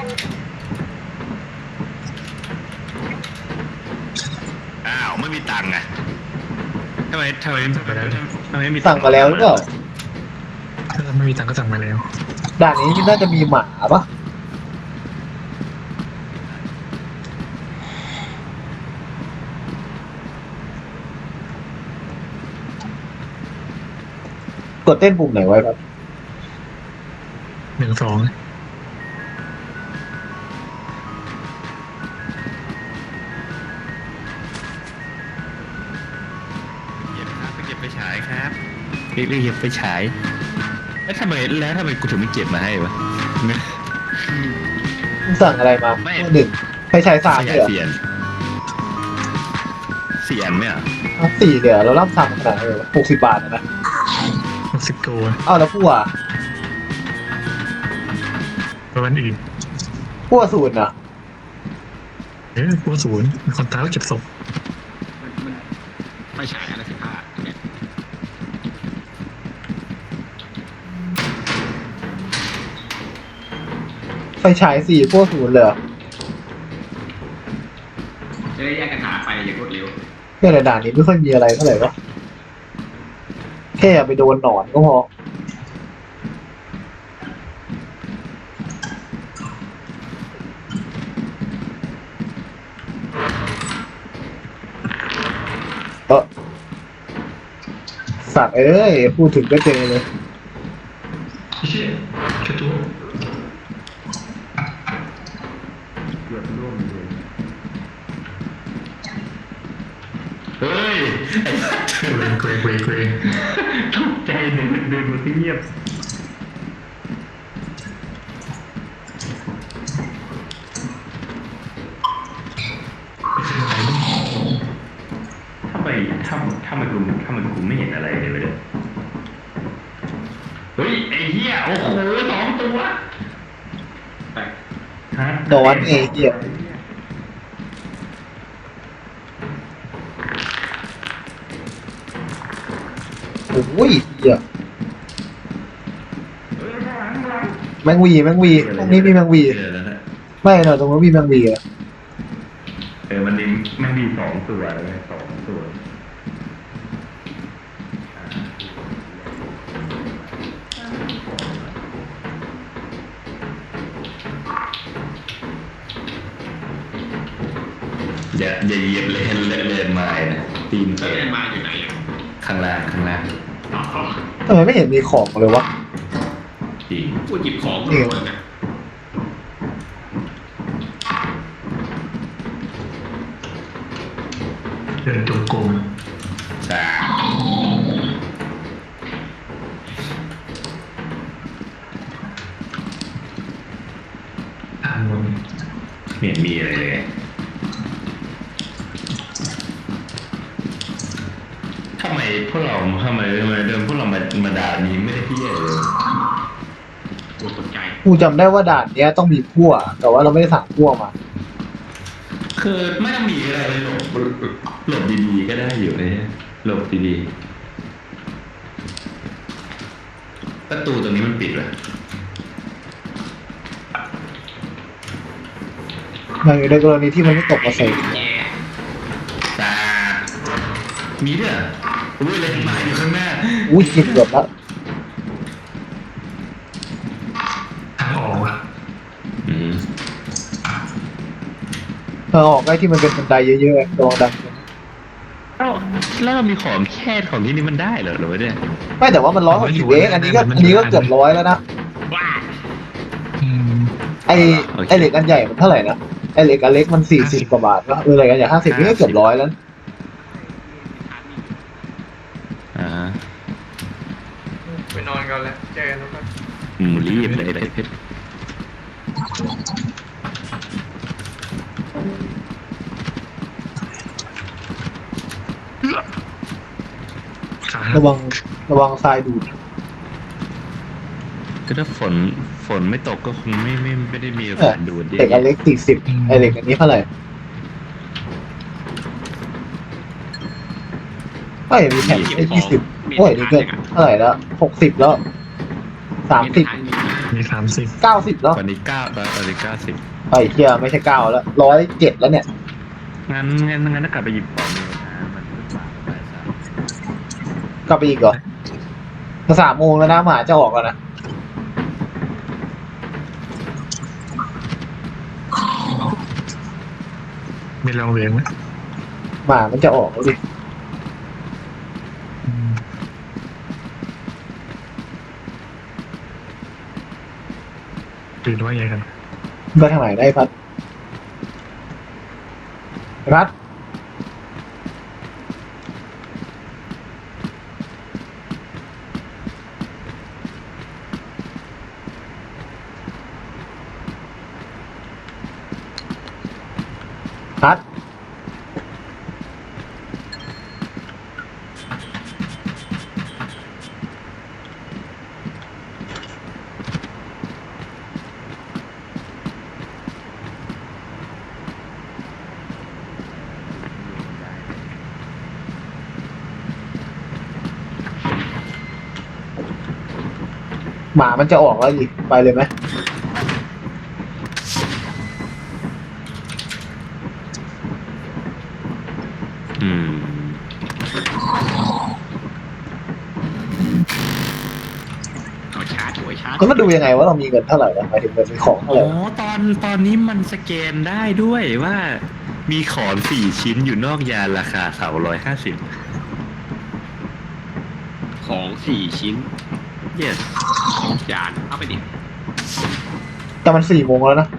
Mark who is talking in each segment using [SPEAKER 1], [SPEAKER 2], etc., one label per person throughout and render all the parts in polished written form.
[SPEAKER 1] อ้าวไม่มีตังค์อะทำไม
[SPEAKER 2] สั่งไปแล้วเนี่ย
[SPEAKER 1] ทำไมไม่มี
[SPEAKER 3] สั่งมาแล้วหรือเปล่า
[SPEAKER 2] ถ้าไม่มีตังค์ก็สั่งมาแล้ว
[SPEAKER 3] ด่านนี้น่าจะมีหมาปะกดเต้นปุ่มไหนไว้ครับ
[SPEAKER 2] 1 2
[SPEAKER 1] เก็บไปฉายครับเรียกเก็บไปฉายแล้วทำไมกูถึงไม่เก็บมาให้วะ
[SPEAKER 3] มึงสั่งอะไรมา
[SPEAKER 1] ไม่
[SPEAKER 3] หนึ่งไฟฉายสาม
[SPEAKER 1] ข
[SPEAKER 3] เห
[SPEAKER 1] ยาย
[SPEAKER 3] รอ
[SPEAKER 1] สี่อันไหมอ่ะ
[SPEAKER 3] เอาสี่เดี๋ยวเราล่ำสั่งขนาดไหนวะ60 บาทนะ
[SPEAKER 2] 60 ตัว
[SPEAKER 3] เอ้าแล้วผู้อ่ะ
[SPEAKER 2] ประมาณอื่น
[SPEAKER 3] ผู้ศูนย์อ่ะ
[SPEAKER 2] พวกศูนย์มีคนตายแล้วเก็บศพ
[SPEAKER 4] มันไม่ฉายอะไร15เนี่ย
[SPEAKER 3] ไฟฉายสี่ผู้ศูนย์เลยเหรอ
[SPEAKER 4] จะได้แยกกันหาไปอย่างรวดเร็ว
[SPEAKER 3] แค่ในด่านนี้ไม่ค่อยมีอะไรเท่าไหร่วะแค่อย่าไปโดนหนอนก็พอสัตว์เอ้ยพูดถึงก็เจอเลย
[SPEAKER 2] เชี่ยแค่ตัว
[SPEAKER 4] เกือบร่วมเลย
[SPEAKER 1] เฮ้ย
[SPEAKER 2] เกรง
[SPEAKER 1] ตกใจเดินมาที่เงียบ ทำไมกูไม่เห็นอะไรเลยเลยเฮ้ยไอ้เหี้ยโอ้โห2 ตัว
[SPEAKER 4] ไป
[SPEAKER 1] ฮะ
[SPEAKER 3] นอนไอ้เหี้ยโอ้ยเหี้ยแมงวีตรงนี้มีแมงวี
[SPEAKER 1] เจอแล้วนะ
[SPEAKER 3] ไม่เนอะตรงนู้นมีแมงวีอะ
[SPEAKER 1] มันมี2 ตัวเลย2 ตัวอย่าเหยียบเลนไม้นะตีน
[SPEAKER 4] แล้วเรียนมาอยู่ไหนอ่ะ
[SPEAKER 1] ข้างล่าง
[SPEAKER 4] อ๋อ
[SPEAKER 3] ทำไมไม่เห็นมีของเลยวะ
[SPEAKER 1] จริง
[SPEAKER 4] พูดหยิบของมาเลยนะ
[SPEAKER 2] เดินจงกรม
[SPEAKER 1] จ้า
[SPEAKER 2] ทางบน
[SPEAKER 1] ไม่เห็นมีอะไรเลยทำไมเดินพวกเรามาด่านี้ไม่ได้พี่เลย
[SPEAKER 4] กลัวตกใจ
[SPEAKER 3] กูจำได้ว่าด่านเนี้ยต้องมีพั่วแต่ว่าเราไม่ได้สั่งพั่วมา
[SPEAKER 1] คือไม่ต้องมีอะไรเลยหลบดีๆก็ได้อยู่เลยหลบดีๆประตูตรงนี้มันปิดเหรอ
[SPEAKER 3] ในกรณีที่มันไม่ตกมาใส่
[SPEAKER 4] แย่
[SPEAKER 1] ตามีด้วยเหรออุ้ยเลยมาอยู่ข้างหน้า
[SPEAKER 3] อุ้ยเกือบแล้ว
[SPEAKER 2] ทางออกอะ
[SPEAKER 1] อืม
[SPEAKER 3] ออกได้ที่มันเป็นบันไดเยอะๆระวังดัง
[SPEAKER 1] แล้วเรามีของแค่ของที่นี่มันได้เหรอหรือว่าเนี่ย
[SPEAKER 3] ไม่แต่ว่ามัน160เองอันนี้ก็เกือบ100แล้วนะ
[SPEAKER 4] ว้า
[SPEAKER 2] อืม
[SPEAKER 3] ไอเหล็กอันใหญ่มันเท่าไหร่นะไอเหล็กอันเล็กมัน40 กว่าบาทวะเหล็กอันใหญ่50นี่ก็เกือบ100แล้ว
[SPEAKER 1] อ่า
[SPEAKER 5] ไปนอนกันแล้วเจอกันทุกคน
[SPEAKER 1] รีบเลยเพชร
[SPEAKER 2] ขา
[SPEAKER 3] ระวังทรายดูด
[SPEAKER 1] ก็ถ้าฝนไม่ตกก็คงไม่ได้มีโอกาสดูด
[SPEAKER 3] เหล็กอันเล็ก40ไอเหล็กอันนี้เท่าไหร่ไม่มีแผ่นไอ้20โอ้ยนี่เกินเท่าไหร่แล้ว60แล้ว30
[SPEAKER 2] มี30
[SPEAKER 3] 90แล้ว
[SPEAKER 1] ตอนนี้90
[SPEAKER 3] ไอ้เหี้ยไม่ใช่9แล้ว107แล้วเนี่ย
[SPEAKER 1] งั้นถ้ากลับไปหยิบของเนี่ยนะมันก็สามไปสาม
[SPEAKER 3] กลับไปอีกเหรอจะ3 โมงแล้วนะหมาจะออกแล้วนะ
[SPEAKER 2] มีลองเลี้ยงไหม
[SPEAKER 3] หมามันจะออกแล้วดิ
[SPEAKER 2] ตื่นว่าไงกัน
[SPEAKER 3] ไปทางไหนได้พัดไอ้พัดพัดหมามันจะออกแล้วดิไปเลยไหม
[SPEAKER 1] อืม
[SPEAKER 4] เอาชาร์จหัวชาร์จ
[SPEAKER 3] ก็มาดูยังไงว่าเรามีเงินเท่าไหร่นะหมายถึงเงินมีของเท่าไห
[SPEAKER 1] อ๋
[SPEAKER 3] ร่
[SPEAKER 1] อตอนนี้มันสแกนได้ด้วยว่ามีของ4 ชิ้นอยู่นอกยานราคา350
[SPEAKER 4] ของ4 ชิ้น
[SPEAKER 1] yes
[SPEAKER 4] จานเอาไปดิ
[SPEAKER 3] แต่มัน4 โมงแล้วนะ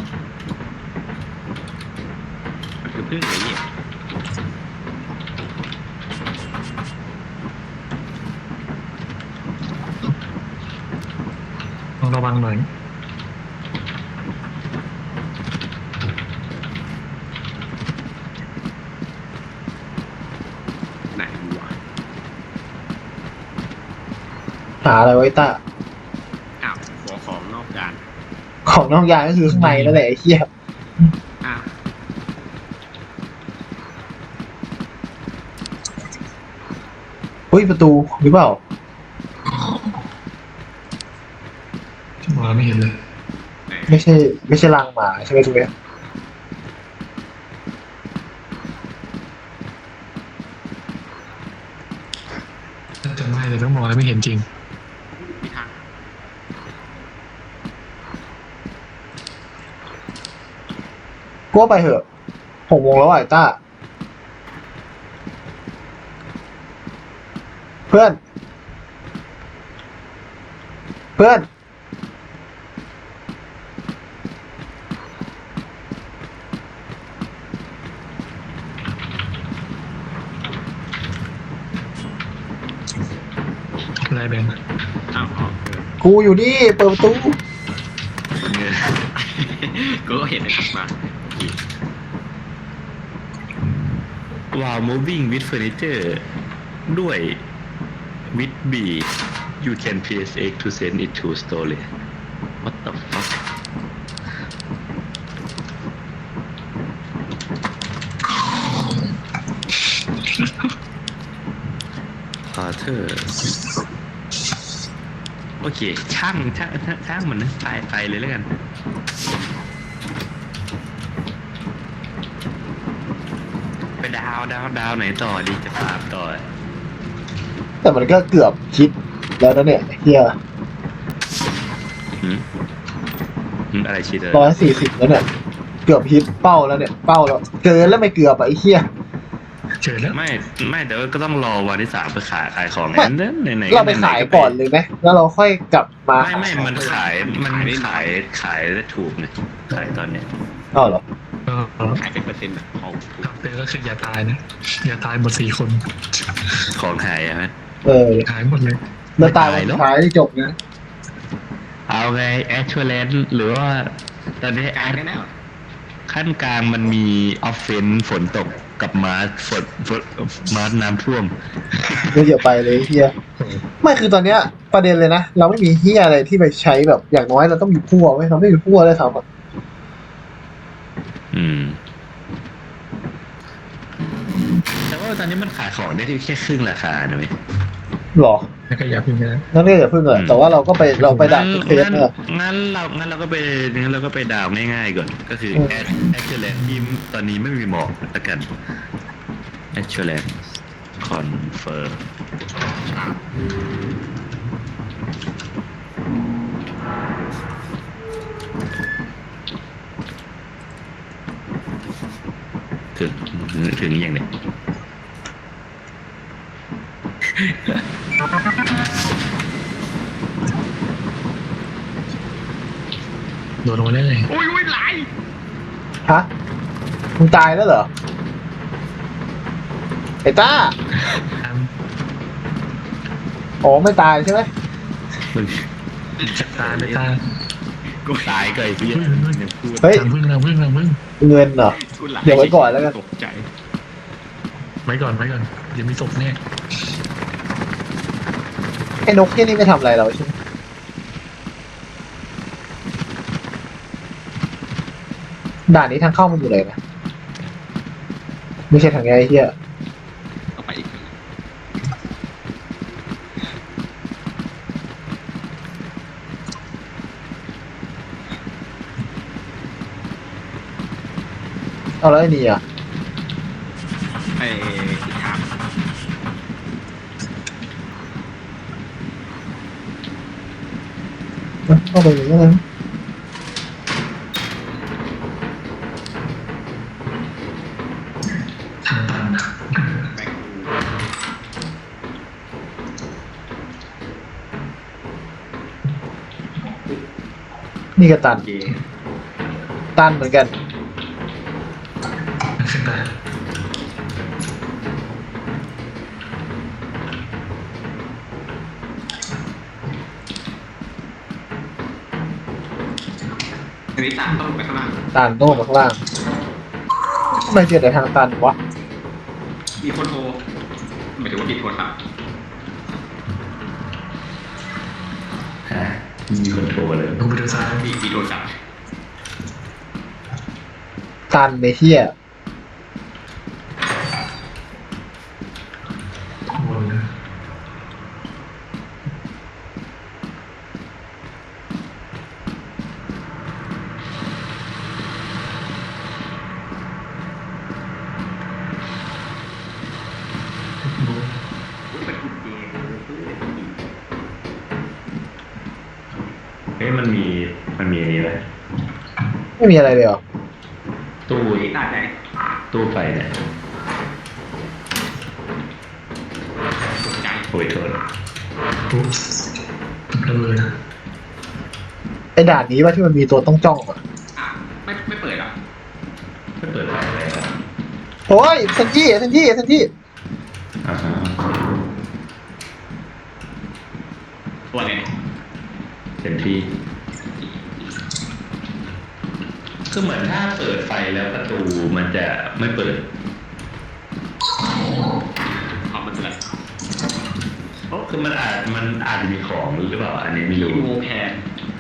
[SPEAKER 4] มันคือพึ่งเลยเนี่ย
[SPEAKER 2] ต้องระวังหน่อย
[SPEAKER 4] ไหนวะ
[SPEAKER 3] หาอะไรไว้ต้า
[SPEAKER 4] อ้าวหัวของนอกจาน
[SPEAKER 3] ของนอกยานก็คือข้างในนั่นแหละไอ้เหี้ย
[SPEAKER 4] อ้าว
[SPEAKER 3] เฮ้ยประตูหรือเปล่า
[SPEAKER 2] มองไม่เห็นเลย
[SPEAKER 4] ไหน
[SPEAKER 3] ไม่ใช่รังหมาใช่ไหมตรงเนี้ย
[SPEAKER 2] น่าจะไม่แต่ต้องมองแล้วไม่เห็นจริง
[SPEAKER 4] มีทาง
[SPEAKER 3] กูว่าไปเถอะ6 โมงแล้วอ่ะไอ้ต้า เพื่อน เพื่อน
[SPEAKER 2] อะไรแบงค์
[SPEAKER 4] อ้าว
[SPEAKER 3] กูอยู่นี่เปิดประตู
[SPEAKER 1] เนี่ย
[SPEAKER 4] กูก็เห็นนะครับมา
[SPEAKER 1] while moving with furniture ด้วย with B you can press X to send it to storage what the fuck Arthur โอเคช่างมันนะไปเลยแล้วกัน ไปดาวไหนต่อดีจะฟาร์มต่อ
[SPEAKER 3] แต่มันก็เกือบคิดแล้วนะเนี่ยเฮีย
[SPEAKER 1] หืมอะไรชีเตอร์
[SPEAKER 3] 140แล้วเนี่ย เกือบฮิตเป้าแล้วเนี่ย เป้าแล้วเกินแล้วไม่เกือบอ่ะไอ้เฮีย
[SPEAKER 2] เจอแล้ว
[SPEAKER 1] ไม่เดี๋ยวก็ต้องรอวันที่ 3ไปขายของ
[SPEAKER 3] ไม่
[SPEAKER 1] นั้นไหนๆ
[SPEAKER 3] เราไปขายก่อนเลยไหมแล้วเราค่อยกลับมา
[SPEAKER 1] ไม่มันขายได้ถูกเนี่ยขายตอนเนี้ย
[SPEAKER 3] อ้าวเหรอ
[SPEAKER 2] ก็
[SPEAKER 4] ขายเป็นเปอร์เซ็นต์ของถูก
[SPEAKER 2] ทำเป็นก็คืออย่าตายนะ อย่าตายหมด4 คน
[SPEAKER 1] ของหายอะฮะ
[SPEAKER 3] เออ
[SPEAKER 2] หายหมดเลย
[SPEAKER 3] แล้วตายวันสุดท้ายที่จบนะ
[SPEAKER 1] เอาไงแอชเชลนหรือว่าตอนนี้แอ
[SPEAKER 4] ขาย
[SPEAKER 1] ด
[SPEAKER 4] ได้แล้ว
[SPEAKER 1] ขั้นกลางมันมีออฟเฟนฝนตกกับมาร์มาร์น้ำท่วม
[SPEAKER 3] ไม่เดี๋ยวไปเลยเฮียไม่คือตอนเนี้ยประเด็นเลยนะ เราไม่มีเฮียอะไรที่ไปใช้แบบอย่างน้อยเราต้องมีพั่วไว้เราไม่มีพั่วเลยครับอะ
[SPEAKER 1] อืม แต่ว่าตอนนี้มันขายของได้ที่แค่ครึ่งราคานะเว้ย
[SPEAKER 3] หรอ
[SPEAKER 2] แล้วก็อย่าพึ่งนะ
[SPEAKER 3] นั่นเรียกอย่าพึ่งอะแต่ว่าเราไปด่าเคส
[SPEAKER 1] งั้น
[SPEAKER 3] เนี่ย
[SPEAKER 1] งั้นเราก็ไปดาวง่ายๆก่อน ก็คือแอชเชอร์แลนด์ที่ตอนนี้ไม่มีหมอกละกันแอชเชอร์แลนด์คอนเฟิร์มถึงอย่างเนี้ย
[SPEAKER 2] โดนลงมาได้เลย
[SPEAKER 4] อุ้ยไหล
[SPEAKER 3] ฮะมึงตายแล้วเหรอไอ้ต้า
[SPEAKER 2] ตาม
[SPEAKER 3] อ๋อไม่ตายใช่ไหม
[SPEAKER 1] มึง
[SPEAKER 2] ตามไปตาม
[SPEAKER 4] กู
[SPEAKER 1] ตายก็ไอ้พี่ยังพูด
[SPEAKER 3] เฮ้ย
[SPEAKER 2] ตามพึ่งเราพึ่งเราพึ่ง
[SPEAKER 3] เงินเหรอ
[SPEAKER 4] กูไหล
[SPEAKER 3] เดี๋ยวไว้ก่อนแล้วกัน
[SPEAKER 4] ตกใจ
[SPEAKER 2] ไว้ก่อนเดี๋ยวมีศพแน่
[SPEAKER 3] ไอ้นกที่นี่ไม่ทำอะไรเราใช่ไหมด่านนี้ทางเข้ามันอยู่ไหนนะไม่ใช่ทางไงไอ้เหี้ย
[SPEAKER 4] เอาไปอีก
[SPEAKER 3] เอาแล้วไอ้นี่อ่ะ
[SPEAKER 4] ไอ้อีกทาง
[SPEAKER 3] เข้าไปอย่างนี้นะ
[SPEAKER 2] ทางตัน
[SPEAKER 4] แบงค์
[SPEAKER 3] นี่ก็ตัน
[SPEAKER 4] เก
[SPEAKER 3] ตันเหมือนกัน
[SPEAKER 2] ขึ้นไป
[SPEAKER 4] อันนี้ตามต้องลงไปข้างล่าง
[SPEAKER 3] ตันโน่นมาข้างล่างทำไมเจอแต่ทางตันวะ
[SPEAKER 4] มีคนโทรหมายถึงว่าปิดโทรศัพท์
[SPEAKER 1] ฮะมีคนโทรเลย
[SPEAKER 2] ลงไปดูซ้าย
[SPEAKER 4] มีโทรศัพท์
[SPEAKER 3] ตันในเที่ย
[SPEAKER 2] บนนะ
[SPEAKER 4] อุ๊ยเป็นกุญแจ
[SPEAKER 1] เฮ้ยมันมีอันนี้ไหม
[SPEAKER 3] ไม่มีอะไรเลยเหรอ
[SPEAKER 1] ตู้
[SPEAKER 4] นี่ตาใจ
[SPEAKER 1] ตู้ไฟเนี่ย
[SPEAKER 4] ตกใจ
[SPEAKER 1] โอ้ยโทษ
[SPEAKER 2] ปุ๊บระเบิด
[SPEAKER 3] ไอ้ด่านนี้ว่าที่มันมีตัวต้องจ้องอ่ะ
[SPEAKER 4] อ่ะไม่เปิดหรอ
[SPEAKER 1] ไม่เปิดไฟอะไรครับ
[SPEAKER 3] โอ้ยเซนจี้เซนจี้เซนจี้
[SPEAKER 1] อ่าฮะ
[SPEAKER 4] ตัวอะไรเนี่ย
[SPEAKER 1] เต็มที่คือเหมือนถ้าเปิดไฟแล้วประตูมันจะไม่เปิด
[SPEAKER 4] ขอบมันเปิด
[SPEAKER 1] คือมันอาจจะมีของหรือเปล่า อันนี้ไม่รู้
[SPEAKER 4] โมแพน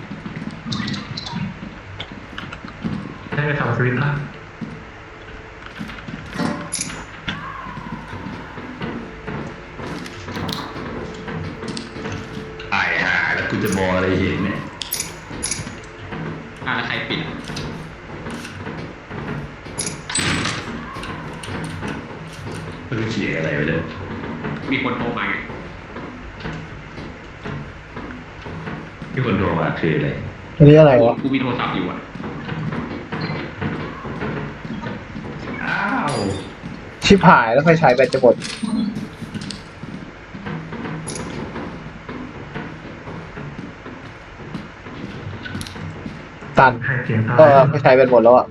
[SPEAKER 2] ได้ไปทำสวิตช์ละ
[SPEAKER 1] ตายหาแล้วกูจะมองอะไรเห็นเนี่ย
[SPEAKER 4] แล้วใครปิดอ่ะ
[SPEAKER 1] ไม่รู้เสียงอะไรไปเลย
[SPEAKER 4] มีคนโทรมาไง
[SPEAKER 1] ที่คนโทรมาคืออะไร
[SPEAKER 3] อันนี้อะไรวะ
[SPEAKER 4] กูมีโทรศัพท์อยู่อ่ะ
[SPEAKER 1] อ้าว
[SPEAKER 3] ชิบหายแล้วไฟฉายแบตจะหมดตัน
[SPEAKER 2] ให้เสียงตาย
[SPEAKER 3] ก็ไฟฉายแบตหมดแล้วอ่ะ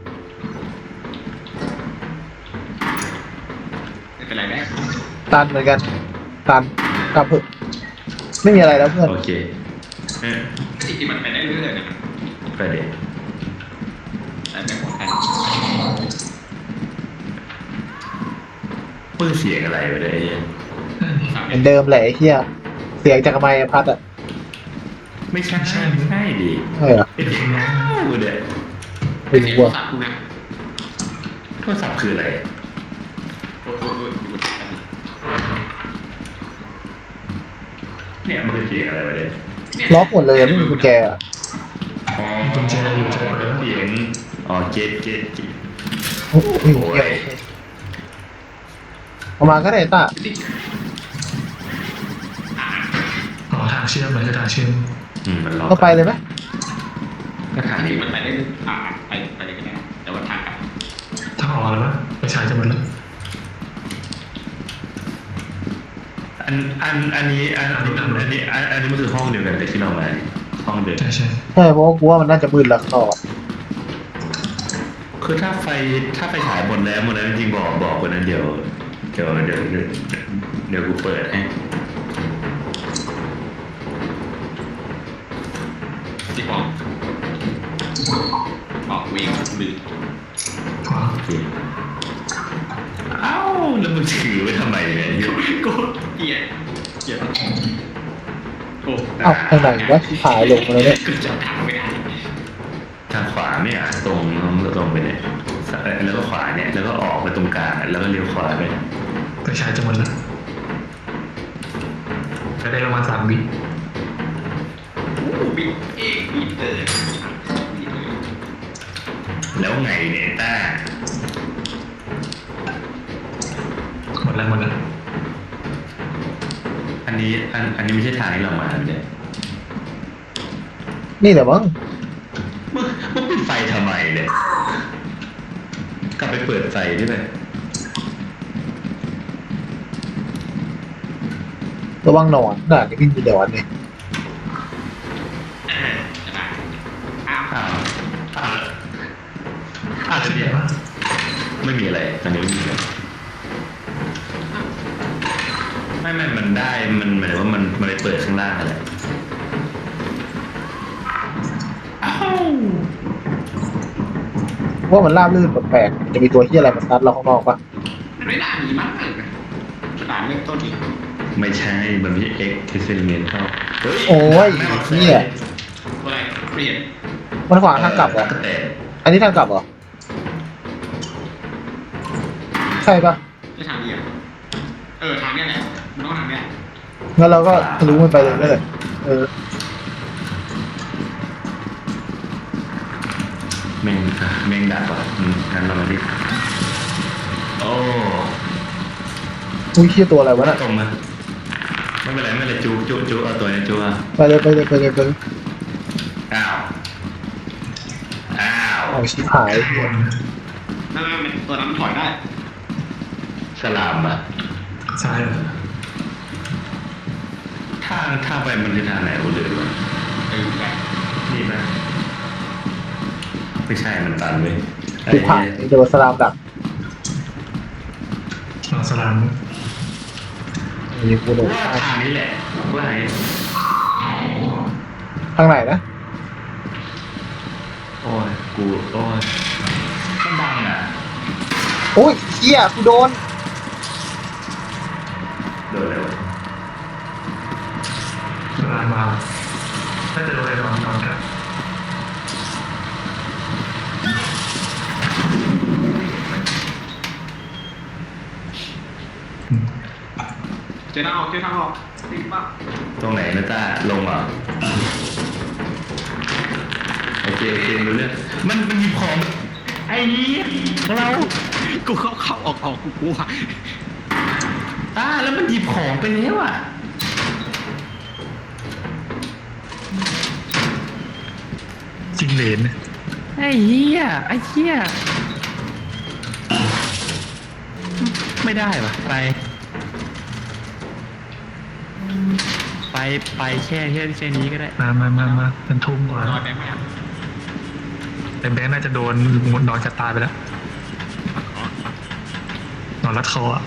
[SPEAKER 4] ไม่เป็นไรแม่
[SPEAKER 3] ตันเหมือนกันตันกลับเถอะไม่มีอะไรแล้วเพื่อน
[SPEAKER 1] โอเคเออ
[SPEAKER 4] จริงๆมันไปได้เรื่อยๆนะ
[SPEAKER 1] ไปเด็ก
[SPEAKER 4] แต่ไม่หมดแพน
[SPEAKER 1] เปิดเสียงอะไรไปเลยไอ้เหี้ย
[SPEAKER 3] เหมือนเดิมแหละไอ้เหี้ยเสียงจากไมค์พัดอ่ะ
[SPEAKER 1] ไม่ใช่ไม่ใช่ดิ
[SPEAKER 3] ใช่เหรอ
[SPEAKER 1] เป็นเสียงน้าวเด็ก
[SPEAKER 3] ไม่รู้
[SPEAKER 4] โทร
[SPEAKER 3] อ่ะ
[SPEAKER 4] ศัพท์กูนะ
[SPEAKER 1] โทรศัพท์คืออะไร
[SPEAKER 4] โอ้ยอยู่บนแพน
[SPEAKER 1] เนี่ยมันคือเสียงอะไรวะเนี่ย
[SPEAKER 3] ล็อกหมดเลยไม่มีกุญแจอะ
[SPEAKER 1] อ๋อ
[SPEAKER 2] กุญแจอยู่จะเปิดแล้ว
[SPEAKER 1] เสียงอ๋อเกต
[SPEAKER 3] โอ้โหเหี้ยโอเคเอามาก็ได้ต้า
[SPEAKER 2] อ๋อทางเชื่อมมันคือทางเชื่อม
[SPEAKER 1] มันล็อก
[SPEAKER 3] ก็ไปเลยไหม
[SPEAKER 1] ก็ทางนี้
[SPEAKER 4] มันไปได้ไปเลยก็ได้แต่ว่าทางกลับ
[SPEAKER 2] ทางออกแล้วปะไปฉายจะหมดแล้ว
[SPEAKER 1] อันนี้มันคือห้องเดียวกันแต่ที่เรามาห้องเดิม
[SPEAKER 2] ใช่ใช่
[SPEAKER 3] ใช่เพราะว่ากูว่ามันน่าจะมืดแล้วข้างนอก
[SPEAKER 1] คือถ้าไฟฉายหมดแล้วจริงๆบอกคนนั้นเดี๋ยวกูเปิดให้
[SPEAKER 4] ที่บอกเวงลืม
[SPEAKER 2] ขวา
[SPEAKER 1] โอเคเอ้าแล้วมึงถือไว้ทำไมเนี่ยอยู่
[SPEAKER 4] กูเกลียดโอ้
[SPEAKER 3] เอ้าทางไหนวะที่หายลงมาแล้วเนี่ย
[SPEAKER 4] กูจะทางไม่ได้
[SPEAKER 1] ทางขวาเนี่ยตรงไปเนี่ยแล้วก็ขวาเนี่ยแล้วก็ออกไปตรงกลางแล้วก็เลี้ยวขวาไป
[SPEAKER 2] ไปฉายจะหมดแล้วจะได้ประมาณ3 วิ
[SPEAKER 4] บิดเองบิดเลยบิดเลย
[SPEAKER 1] แล้วไงเนี่ยต้า
[SPEAKER 2] หมดแล้ว
[SPEAKER 1] อันนี้ไม่ใช่ทางที่เรามาเนี่ย
[SPEAKER 3] นี่แหละมั้ง
[SPEAKER 1] มึงปิดไฟทำไมเนี่ยกลับไปเปิดไฟได้ไหม
[SPEAKER 3] ระวังหนอนน่ะนี่วิ่งอยู่เดี๋ยวอันนี้
[SPEAKER 4] จะได้อ้าว
[SPEAKER 1] อ้าว
[SPEAKER 2] ขึ้น
[SPEAKER 1] เนี่
[SPEAKER 2] ไหน
[SPEAKER 1] ยว
[SPEAKER 2] ะ
[SPEAKER 1] ไม่มีอะไรตอนนี้ไม่มีอะไรไม่มันได้มันหมายถึงว่ามันไปเปิดข้างล่างอะไรอ้าว
[SPEAKER 3] ว่ามันราบลื่นแปลกๆจะมีตัวเหี้ยอะไรมาซัดเราข้างนอกปะ
[SPEAKER 4] มันไม่น่ามีมากเลยนะสถานเริ่มต้นที่
[SPEAKER 1] ไม่ใช่มันไม่ใช่ X ที่เซนเมนเข้าเฮ้ย
[SPEAKER 3] โอ้ยเหี้ย
[SPEAKER 4] อะไรเปลี่ยน
[SPEAKER 3] มันขวางทางกลับเหรอ
[SPEAKER 1] แต่
[SPEAKER 3] อันนี้ทางกลับเหรอใช่ปะ
[SPEAKER 4] ไม่ทางเดียวทางเนี้ยแหละมันต้องทางเนี้ย
[SPEAKER 3] งั้นเราก็ทะลุมันไปเลยได้เลย
[SPEAKER 1] แม่งดับอ่ะงั้นเรามาดิโอ้
[SPEAKER 3] อุ้ยเหี้ยตัวอะไรวะน่ะ
[SPEAKER 1] ตรงมาไม่เป็นไรจูเอาตัวนี้จูอ่ะ
[SPEAKER 3] ไปเลยไปเลยไปเลยไปเลย
[SPEAKER 1] อ้าว
[SPEAKER 3] เอาชิบหายเหี้ย
[SPEAKER 4] นั่นตัวนั้นถอยได้
[SPEAKER 1] สลามอ่ะ
[SPEAKER 2] ซ้ายเหรอ
[SPEAKER 1] ทางไปมันคือทางไหนกูลืมอ่ะ
[SPEAKER 4] แบบ
[SPEAKER 1] นี่ไหมไม่ใช่มันตันเลย
[SPEAKER 3] ชิบหายโดนสลามดัก
[SPEAKER 2] เราสลาม
[SPEAKER 3] ยิงกูโดน
[SPEAKER 1] ว่าทางนี้แหละว่าไง
[SPEAKER 3] ทางไหนนะ
[SPEAKER 1] โอ้ยมันดังอ่ะ
[SPEAKER 3] โอ้ยเหี้ยกูโดน
[SPEAKER 1] โดนแล้ว
[SPEAKER 2] สลามมาถ้าจะโดนอะไรนอนกัน
[SPEAKER 4] เจอทางออกติดป่ะ
[SPEAKER 1] ตรงไหนนะต้าลงเหรอโอเครู้เรื่องมันหยิบของไอ้นี้เรา
[SPEAKER 4] กูเข้าออกกูกลัว
[SPEAKER 1] แล้วมันหยิบของไปแล้วอ่ะ
[SPEAKER 2] จิงเหลน
[SPEAKER 1] ไอ้เหี้ยไม่ได้ปะไปแค่นี้ก็ได้
[SPEAKER 2] มาเป็นทุ่มกว่าน
[SPEAKER 4] อนได้ไหมครับ
[SPEAKER 2] แต่แบงค์น่าจะโดนนอนจะตายไปแล้วนอนรัดคออ่ะ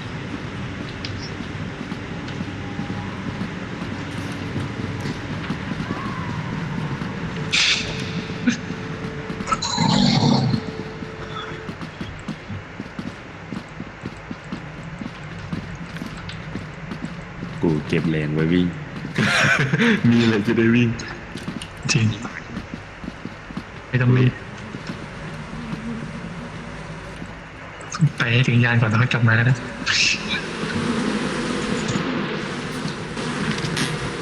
[SPEAKER 1] กูเก็บแรงไว้วิ่ง มีอะไรจะได้วิ่ง
[SPEAKER 2] จริงไม่ต้องรีบไปให้ถึงยานก่อนแล้วค่อยกลับมาก็ได้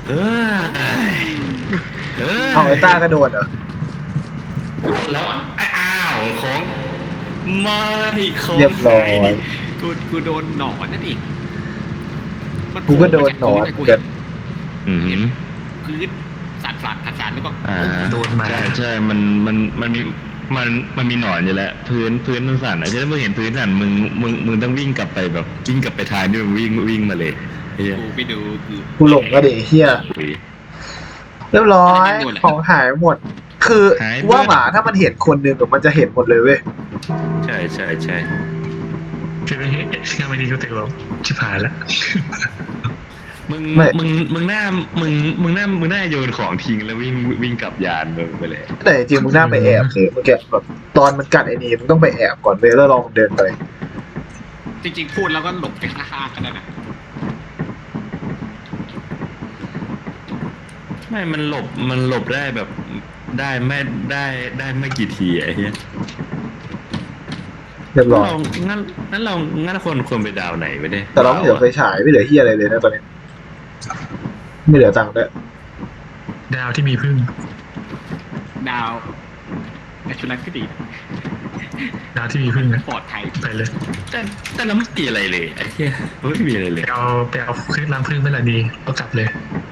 [SPEAKER 1] เออเออ
[SPEAKER 3] เอาไอ้ต้ากระโดดเหรอ
[SPEAKER 1] แล้วอ้าวของไม่ของ
[SPEAKER 3] เรียบร้อย
[SPEAKER 4] กูโดนหนอนนั่นเองมัน
[SPEAKER 3] กูก็โดนหนอน
[SPEAKER 4] กู
[SPEAKER 3] เกิ
[SPEAKER 4] เห็
[SPEAKER 3] ด
[SPEAKER 4] น
[SPEAKER 1] อืม
[SPEAKER 4] พื้นสั่นแล้วก็
[SPEAKER 1] อ่า
[SPEAKER 2] โดนมา
[SPEAKER 1] ใช่ใช่มันมีมันมีหนอนอยู่แล้วพื้นมันสั่นอ่ะถ้ามึงเห็นพื้นสั่นมึงต้องวิ่งกลับไปแบบวิ่งกลับไปทางที่มึงวิ่งมาเลยเฮีย
[SPEAKER 4] กูไปดูคือ
[SPEAKER 3] กูหลงก็เดเฮีย
[SPEAKER 1] อุ้ย
[SPEAKER 3] เรียบร้อย
[SPEAKER 4] ไม่หมดเลย
[SPEAKER 3] ของหายหมด คือ
[SPEAKER 1] หายหมด
[SPEAKER 3] กูว่าหมาถ้ามันเห็นคนหนึ่งมันจะเห็นหมดเลยเว้ย
[SPEAKER 1] ใช่ใช่ใช่
[SPEAKER 2] คือไม่เห็นงานไม่ดีก็ติดลบชิบหายแล้ว
[SPEAKER 1] มึงหน้าโยนของทิ้งแล้ววิ่งกลับยานมึงไปเลย
[SPEAKER 3] แต่จริงๆมึงน่าไปแอบเลยเมื่อกี้แบบตอนมันกัดไอ้นี่มึงต้องไปแอบก่อนเว้ยแล้วลองเดินไป
[SPEAKER 4] จริงๆพูดแล้วก็หลบไปข้างๆกันได้นะ
[SPEAKER 1] ไม่มันหลบได้แบบได้ไม่กี่ทีไอ้เหี้ย
[SPEAKER 3] เรียบร้อย
[SPEAKER 1] เรางั้นควรไปดาวไหนไปได้
[SPEAKER 3] แต่เราไม่เหลือไฟฉายไม่เหลือเฮียอะไรเลยนะตอนนี้ ไม่เหลือตังค์ด้วย
[SPEAKER 2] ดาวที่มีพึ่ง
[SPEAKER 4] ดาวแต่ชุดนั้นก็ดี
[SPEAKER 2] ดาวที่มีพึ่งนะ
[SPEAKER 4] ปลอดภัย
[SPEAKER 2] ไปเลย
[SPEAKER 1] แต่เราไม่มีอะไรเลยไอ้เหี้ยไม่มีอะไรเลย
[SPEAKER 2] ไปเอาเครื่องล้างพึ่งไม่ละดีเอากลับเลย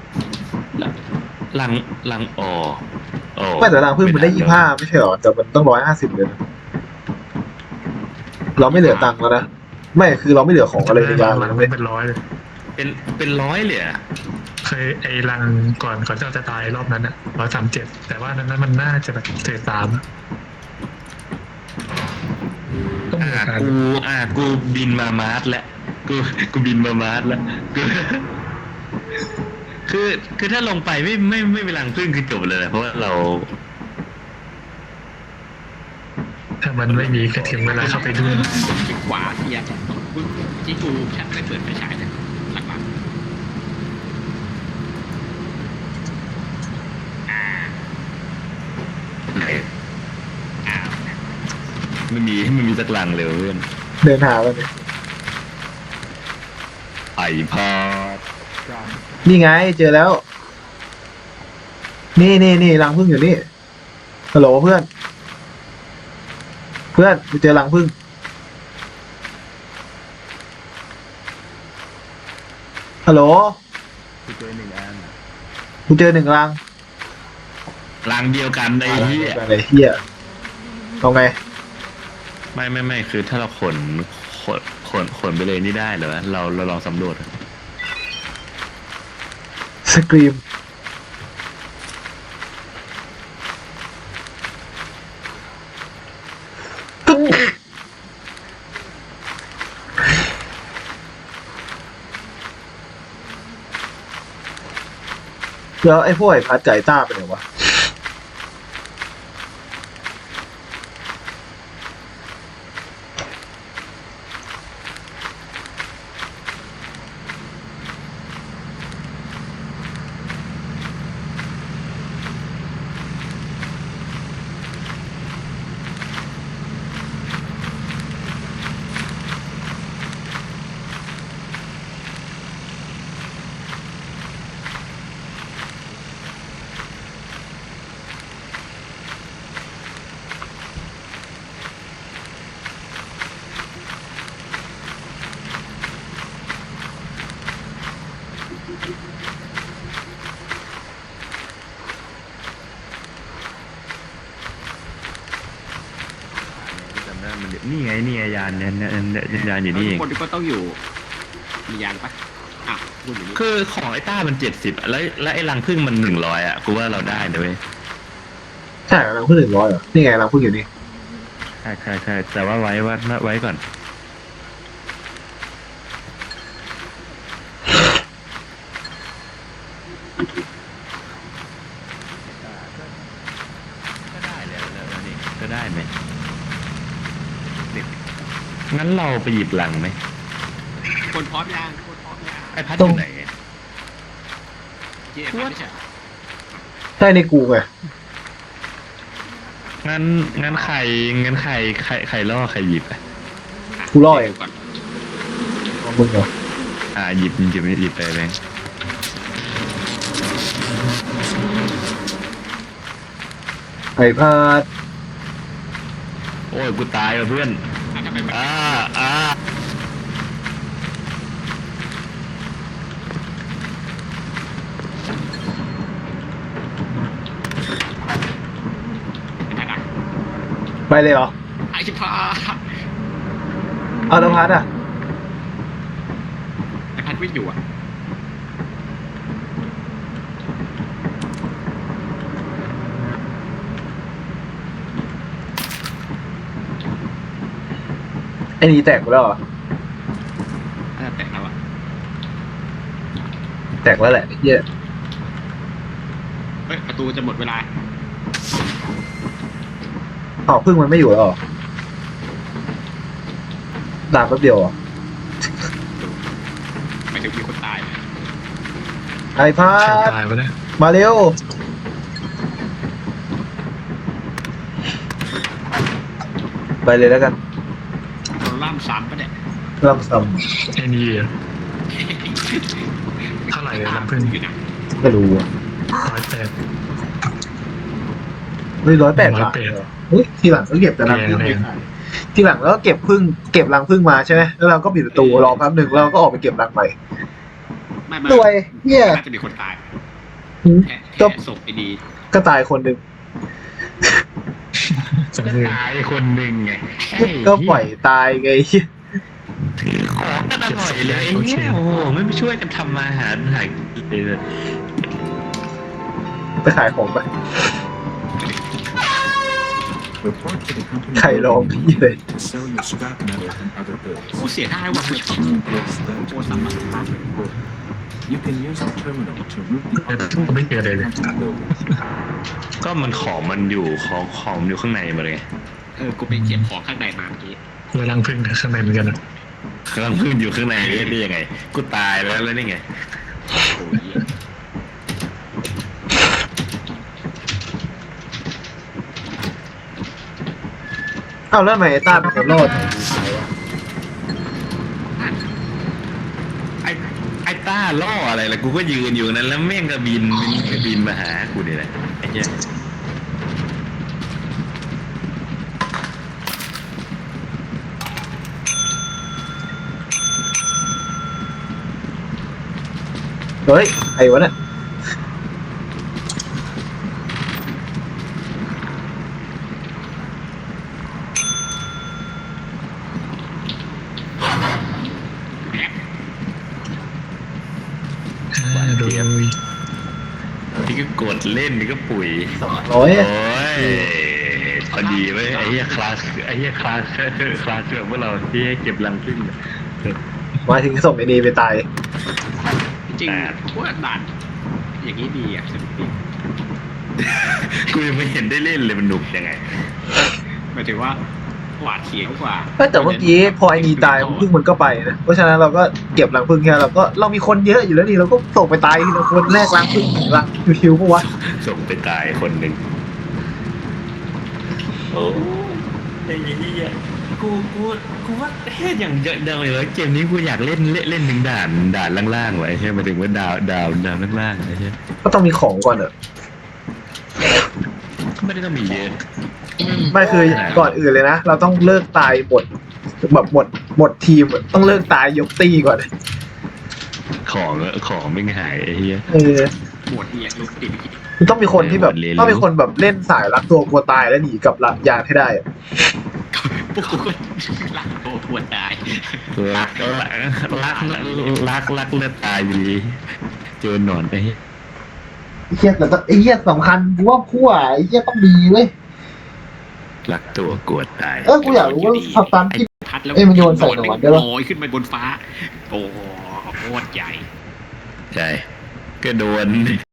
[SPEAKER 1] ลังอ๋อ
[SPEAKER 3] ไม่แต่ตังค์เพิ่งมันได้25ไม่ใช่หรอแต่มันต้อง150เลยนะเราไม่เหลือตังค์แล้วนะไม่คือเราไม่เหลือของอะไรในยาน
[SPEAKER 2] ห
[SPEAKER 3] เล
[SPEAKER 2] ลั
[SPEAKER 3] ย
[SPEAKER 2] ง
[SPEAKER 3] นะเว้ย
[SPEAKER 2] เป็นร้อยเลย
[SPEAKER 1] เป็นร้อยเลยอะ
[SPEAKER 2] เคยไอ้รังก่อนที่เราจะตายรอบนั้นอ่ะ137แต่ว่านั้นมันน่าจะแบบเศษ3ต้องมีการ
[SPEAKER 1] กูบินมามาร์สแล้วกูบินมามาร์สแล้วกูคือถ้าลงไปไม่เป็นรังพึ่งคือจบเลยนะเพราะว่าเรา
[SPEAKER 2] ถ้ามันไม่มีกระเทียมเวลาเข้าไปด้วย
[SPEAKER 4] ไปขวาเทียกูที่กูฉันไม่เปิดไฟฉายเลยหลักๆอ้าว
[SPEAKER 1] ไม่มีสักลังเลยเพื่อน
[SPEAKER 3] เดินหาไปเนี่ย
[SPEAKER 1] ไอพอด
[SPEAKER 3] นี่ไงเจอแล้ว นี่รังผึ้งอยู่นี่ฮัลโหลเพื่อนกูเจอรังผึ้งฮัลโหล
[SPEAKER 1] กูเจอหนึ่งอัน
[SPEAKER 3] กูเจอ1รัง
[SPEAKER 1] ลังเดียวกันไอ้เหี้ย
[SPEAKER 3] อะไรเฮียเอาไง
[SPEAKER 1] ไม่คือถ้าเราขนไปเลยนี่ได้เหรอเราลองสำรวจ
[SPEAKER 3] สกรีมแล้วไอ้พวกไอ้พัดไก่ต้าไปไหนวะ
[SPEAKER 1] จำได้มันนี่ไงยานยานอยู่นี่เอง
[SPEAKER 4] คนที่ก็ต้องอยู่มียานปะอ่ะพูดอยู่นี่
[SPEAKER 1] คือของไอ้ต้ามัน70แล้วไอ้รังพึ่งมัน100อ่ะกูว่าเราได้นะเว้ย
[SPEAKER 3] ใช่รังผึ้ง100เหรอนี่ไงรังผึ้งอยู่นี่
[SPEAKER 1] ใช่แต่ว่าไว้ก่อนก็ได้แล้วนี่ก็ได้ไหมงั้นเราไปหยิบลังไหม
[SPEAKER 4] คนพร้อมยัง
[SPEAKER 1] ไอ้พัดอยู่ไหน
[SPEAKER 4] เจ๊ไม่ใช่
[SPEAKER 3] ใช่ในกูไง
[SPEAKER 1] งั้นใครล่อใครหยิบอ่ะ
[SPEAKER 3] กูล่อเอง
[SPEAKER 4] ก่อน
[SPEAKER 3] เอามึงเหรอ
[SPEAKER 1] หยิบไปแบงค์
[SPEAKER 3] ไอ้พาด
[SPEAKER 1] โอ้ยกูตายว่ะเพื่อน
[SPEAKER 4] ทำไมมัน
[SPEAKER 1] อ่า
[SPEAKER 4] เป็นไงนะ
[SPEAKER 3] ไปเลยเหรอ
[SPEAKER 4] ไอ้ชิพา
[SPEAKER 3] เอาแล้วพัดอ่ะ
[SPEAKER 4] ไอ้พัดวิ่งอยู่อ่ะ
[SPEAKER 3] ไอ้นี่แตกไปแล้วเหรอ
[SPEAKER 4] น่าจะแตกแล้วอ่ะ
[SPEAKER 3] แตกแล้วแหละไอ้เหี้ย
[SPEAKER 4] เฮ้ยประตูจะหมดเวลา
[SPEAKER 3] อ้าวพึ่งมันไม่อยู่แล้วเหรอด่าแป๊บเดียวเหรอ
[SPEAKER 4] ไม่ถึงมีคนตาย
[SPEAKER 3] ไอ้พา
[SPEAKER 2] ใคร
[SPEAKER 3] ด
[SPEAKER 2] ตายวะเนี่ย
[SPEAKER 3] มาเร็ว ไปเลยแล้วกัน
[SPEAKER 4] โดนล่ามซ้ำปะเนี่ย
[SPEAKER 3] ลำซ้
[SPEAKER 2] ไอ้นี่เท่าไหร่เลยน้ำพึ่ง
[SPEAKER 4] อยู่นะ
[SPEAKER 3] ำไม่รู้อะ
[SPEAKER 2] 108
[SPEAKER 3] เฮ้ย108 บาท
[SPEAKER 2] 108
[SPEAKER 3] เหรอเฮ้ยทีหลังก็เก็บแต่รังพึ่ง
[SPEAKER 2] แร
[SPEAKER 3] ไป
[SPEAKER 2] ง
[SPEAKER 3] ขายทีหลังแล้วก็เก็บพึ่งเก็บรังพึ่งมาใช่ไหมแล้วเราก็ปิดประตูรอแป๊บหนึ่งแล้วเราก็ออกไปเก็บรังใหม่
[SPEAKER 4] ไม่
[SPEAKER 3] รวยเหี้ย
[SPEAKER 4] น่าจะมีคนตาย
[SPEAKER 3] หืม
[SPEAKER 4] แค่
[SPEAKER 3] ก็
[SPEAKER 4] ศพไอ้ดี
[SPEAKER 3] ก็ตายคนหนึ่ง
[SPEAKER 2] จัง
[SPEAKER 1] ก็
[SPEAKER 2] เลย
[SPEAKER 1] ตายคนหนึ่งไง
[SPEAKER 3] ก็ปล่อยตายไงเหี้ย
[SPEAKER 1] ของก็อร่อยเลยไอ้เนี่ยโอ้โหไม่ช่วยกันทำอาหารหายเลย
[SPEAKER 3] ไปขายของไป
[SPEAKER 5] Report to the company
[SPEAKER 3] ใครร้องพี่เลย
[SPEAKER 5] to sell your scrap metal and other goods.
[SPEAKER 4] กูเสียดายว่ะกูชอบ
[SPEAKER 5] Yes, then to You can use the terminal to route the
[SPEAKER 2] แต่ทุ่งไม่เจอเลยเลย
[SPEAKER 5] building.
[SPEAKER 1] ก็มันของมันอยู่ของมันอยู่ข้างในมาเลยไง
[SPEAKER 4] กูไปเก็บของข้างในมาเมื่อกี้
[SPEAKER 2] เวลาพึ่งข้างในเหมือนกันนะ
[SPEAKER 1] กำลังพึ่งอยู่ข้างในได้ยังไง กูตายแล้วนี่ไง
[SPEAKER 4] โอ้ย
[SPEAKER 3] อ้าวแล้วทำไมไอ้ต้าเป็นคนรอด
[SPEAKER 1] ไอ้ต้าล่ออะไรล่ะกูก็ยืนอยู่นั้นแล้วแม่งก็บินมาหากูนี่แหละไอ้เหี้ย
[SPEAKER 3] เฮ้ยไอ้วะเนี่ย
[SPEAKER 2] โดย
[SPEAKER 1] นี่ก็กดเล่นนี่ก็ปุ๋ย
[SPEAKER 3] 200
[SPEAKER 1] โอ้
[SPEAKER 3] อะ
[SPEAKER 1] ยพอดีเว้ยไอ้เหี้ยคลาสเกือบพวกเราที่ให้เก็บรังพึ่ง
[SPEAKER 3] มาถึงส่งไอ้นีไปตาย
[SPEAKER 4] จริงๆกูว่าด่านอย่างนี้ดีอ่ะสนุกดี
[SPEAKER 1] กูยังไม่เห็นได้เล่นเลยมันหนุกยังไง
[SPEAKER 4] หมายถึงว่าหวาดเสียวกว่า
[SPEAKER 3] แต่เมื่อกี้พอไอ้นีตายพึ่งมันก็ไปนะเพราะฉะนั้นเราก็เก็บรังพึ่งแค่เรามีคนเยอะอยู่แล้วนี่เราก็ส่งไปตายทีละคนแรกรังพึ่งรังคิวๆปะวะ
[SPEAKER 1] ส่งไปตายคนหนึ่งโอ้ไอ้เหี้ยกูว่าเฮ้ยอย่างเยอะเดาเลยเกมนี้กูอยากเล่นหนึ่งด่านล่างๆไว้ใช่ไหมถึงว่าดาวล่างๆใช่ไหม
[SPEAKER 3] ก็ต้องมีของก่อนอะ
[SPEAKER 1] ไม่ได้ต้องมีเยอะ
[SPEAKER 3] ไม่คือก่อนอื่นเลยนะเราต้องเลิกตายหมดแบบหมดทีมอะต้องเลิกตายยกตีก่อน
[SPEAKER 1] ของไม่หายไอ้เหี้ย
[SPEAKER 4] หมวดเนี่ยลุกติด
[SPEAKER 3] มันต้องมีคนที่แบบ
[SPEAKER 1] เล่น
[SPEAKER 3] ต้องมีคนแบบเล่นสายรักตัวกลัวตายแล้วหนีกับหลักยานให้ได้อะ
[SPEAKER 4] พวกกูก็รักโตทวนตาย
[SPEAKER 1] รักเลือดตายอยู่ดีเจอหนอนไอ้เหี้ย
[SPEAKER 3] ไอ้เหี้ยแต่ต้องไอ้เหี้ยสำคัญกูว่าขั้วไอ้เหี้ยต้องดีเว้ย
[SPEAKER 1] รักตัวกวดตาย
[SPEAKER 3] กูอยากรู้ว่าสตันที่
[SPEAKER 4] พัดแล้ว
[SPEAKER 3] เอ้ยมันโยนใส่หนอนได้ปะ
[SPEAKER 4] ลอยขึ้นไปบนฟ้า โอ้โหโคตรใหญ่
[SPEAKER 1] ใช่ก็โดน